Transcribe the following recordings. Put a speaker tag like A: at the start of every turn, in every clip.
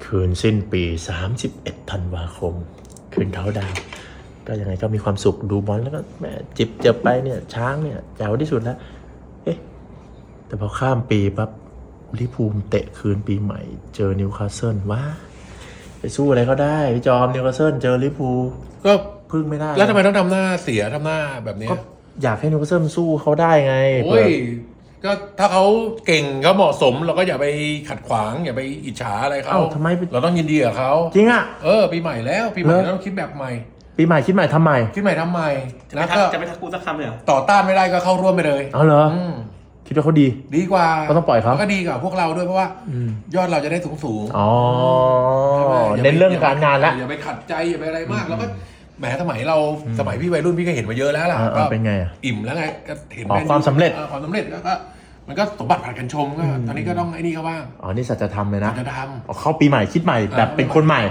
A: คืนสิ้นปี31ธันวาคมคืนเขาดาวก็ยังไงก็มีความสุขดูบอลแล้วก็แหมจิบเจ็บไปเนี่ยช้างเนี่ยแจ๋วที่สุดแล้วเอ๊ะแต่พอข้ามปีปั๊บลิเวอร์พูลเตะคืนปีใหม่เจอนิวคาสเซิลว้าไปสู้อะไรก็ได้พี่จอมนิวคาสเซิลเจอลิเวอร์พูล
B: ก็
A: พึ่งไม่ได้
B: แล้วทำไมต้องทำหน้าเสียทำหน้าแบบนี้
A: ก็อยากให้นิวคาสเซิลสู้เขาได้ไง
B: โอ้ยก็ถ้าเขาเก่งเขาเหมาะสมเราก็อย่าไปขัดขวางอย่าไปอิจฉาอะไรเขา
A: ทำไม
B: เราต้องยินดีกับเขา
A: จริงอ่ะ
B: ปีใหม่แล้วปีใหม่เราต้องคิดแบบใหม่
A: ปีใหม่คิดใหม่ทำใหม่
B: แล้วก็
C: จะไม่ทักกูสักคำเลยเหรอ
B: ต่อต้านไม่ได้ก็เข้าร่วมไปเลย
A: เหรอคิดว่าเขาดี
B: กว่า
A: ก็ต้องปล่อยเขา
B: ก็ดีกว่าพวกเราด้วยเพราะว่ายอดเราจะได้สูง
A: เน้นเรื่องการงานแล้ว
B: อย่าไปขัดใจอย่าไปอะไรมากแล้วก็แหมสมัยพี่วัยรุ่นพี่ก็เห็นมาเยอะแล้วล่ะ
A: ก็เป็นไง
B: อิ่มแล้วไงก็เห็น
A: ความสำเร็จ
B: แล้วก็มันก็สมบัติผัดกันชมก็ตอนนี้ก็ต้องไอ้นี่เขาบ้าง
A: นี่สัจธรรมเลยนะ
B: สัจธรรม
A: เข้าปีใหม่คิดใหม่แบบเป็นคนใหม่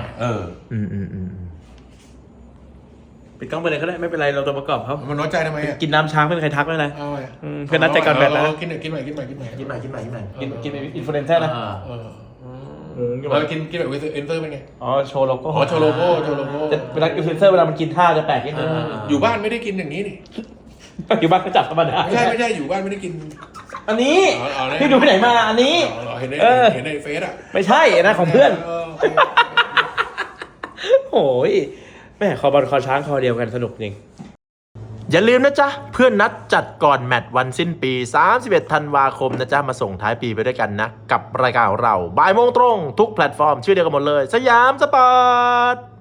C: ปิดกล้องไปเลยก็ได้ไม่เป็นไรเราตัวประกอบเขา
B: มันน้อยใจทำไม
C: กินน้ำช้างไม่มีใครทักไม่เป็นไรเพื่อนนัดใจก่อนแบบนะ
B: กินใหม่กิน
C: อินฟลูเอนเซอร์นะ
B: กินแบบอินเตอร์เป็นไง
C: โชว์โลโก้
B: โชว์โลโก้
C: เวลาอินฟลูเอนเซอร์เวลามันกินท่าจะแปลกนิดนึง
B: อยู่บ้านไม่ได้กินอย่างนี้นี่
C: อยู่บ้านก็จับธรรมดา
B: ไม่ใช่อยู่บ้านไม่ได้กิน
C: อันนี้พี่ดูไปไหนมาอันนี้
B: เห็นในเฟซอ่ะ
C: ไม่ใช่นะของเพื่อนโอ้ยแม่คอบอลคอช้างคอเดียวกันสนุกจริง
A: อย่าลืมนะจ๊ะเพื่อนนัดจัดก่อนแมตช์วันสิ้นปี31ธันวาคมนะจ๊ะมาส่งท้ายปีไปด้วยกันนะกับรายการของเราบ่ายโมงตรงทุกแพลตฟอร์มชื่อเดียวกันหมดเลยสยามสปอร์ต